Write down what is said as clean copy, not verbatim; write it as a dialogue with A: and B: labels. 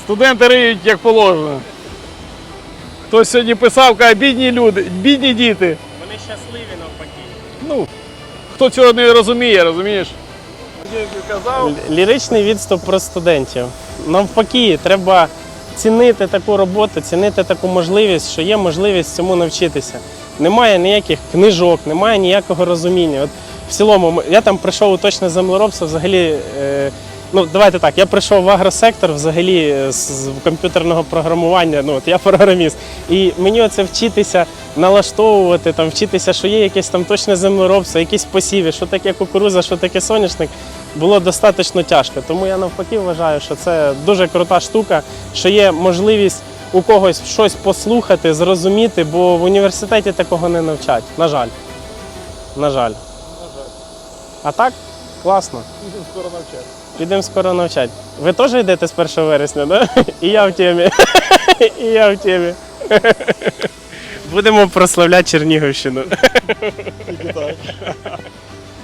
A: Студенти риють як положено. Хтось сьогодні писав, каже, бідні люди, бідні діти.
B: Вони щасливі навпаки.
A: Ну, хто цього не розуміє, розумієш? Казав.
B: Ліричний відступ про студентів. Навпаки, треба цінити таку роботу, цінити таку можливість, що є можливість цьому навчитися. Немає ніяких книжок, немає ніякого розуміння. От в цілому, я там прийшов у точне землеробство, взагалі, ну давайте так, я прийшов в агросектор взагалі з комп'ютерного програмування, ну от я програміст. І мені оце вчитися налаштовувати, там, вчитися, що є якесь там точне землеробство, якісь посіви, що таке кукурудза, що таке соняшник, було достатньо тяжко. Тому я навпаки вважаю, що це дуже крута штука, що є можливість у когось щось послухати, зрозуміти, бо в університеті такого не навчать, на жаль. На жаль. А так, класно.
A: Підемо скоро навчати.
B: Підемо скоро навчати. Ви теж йдете з 1 вересня, так? Да? І я в темі. І я в темі. Будемо прославляти Чернігівщину.
A: Тільки так.